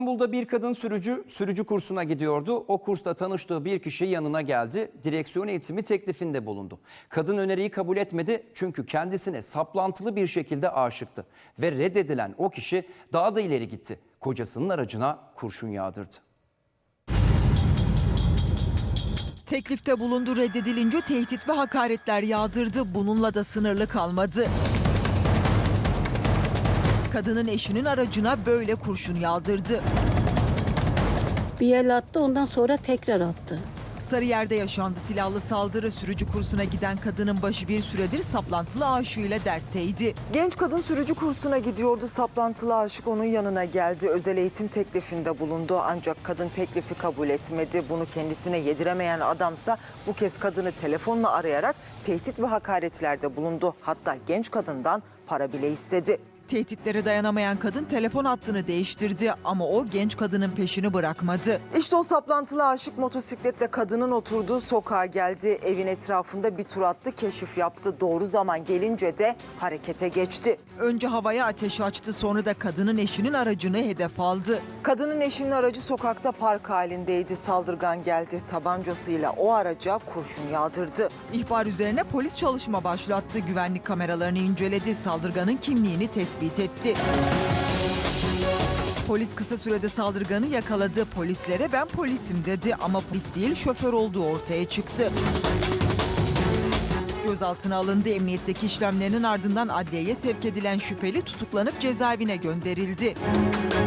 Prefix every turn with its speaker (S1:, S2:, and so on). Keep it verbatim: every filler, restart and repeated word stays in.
S1: İstanbul'da bir kadın sürücü sürücü kursuna gidiyordu. O kursta tanıştığı bir kişi yanına geldi. Direksiyon eğitimi teklifinde bulundu. Kadın öneriyi kabul etmedi çünkü kendisine saplantılı bir şekilde aşıktı. Ve reddedilen o kişi daha da ileri gitti. Kocasının aracına kurşun yağdırdı.
S2: Teklifte bulundu, reddedilince tehdit ve hakaretler yağdırdı. Bununla da sınırlı kalmadı. Kadının eşinin aracına böyle kurşun yağdırdı.
S3: Bir el attı, ondan sonra tekrar attı.
S2: Sarıyer'de yaşandı silahlı saldırı. Sürücü kursuna giden kadının başı bir süredir saplantılı aşığıyla dertteydi.
S4: Genç kadın sürücü kursuna gidiyordu. Saplantılı aşık onun yanına geldi. Özel eğitim teklifinde bulundu. Ancak kadın teklifi kabul etmedi. Bunu kendisine yediremeyen adamsa bu kez kadını telefonla arayarak tehdit ve hakaretlerde bulundu. Hatta genç kadından para bile istedi.
S2: Tehditlere dayanamayan kadın telefon hattını değiştirdi ama o genç kadının peşini bırakmadı.
S4: İşte o saplantılı aşık motosikletle kadının oturduğu sokağa geldi. Evin etrafında bir tur attı, keşif yaptı. Doğru zaman gelince de harekete geçti.
S2: Önce havaya ateş açtı, sonra da kadının eşinin aracını hedef aldı.
S4: Kadının eşinin aracı sokakta park halindeydi. Saldırgan geldi. Tabancasıyla o araca kurşun yağdırdı.
S2: İhbar üzerine polis çalışma başlattı. Güvenlik kameralarını inceledi. Saldırganın kimliğini tespit etti. Polis kısa sürede saldırganı yakaladı. Polislere ben polisim dedi ama polis değil şoför olduğu ortaya çıktı. Gözaltına alındı. Emniyetteki işlemlerinin ardından adliyeye sevk edilen şüpheli tutuklanıp cezaevine gönderildi.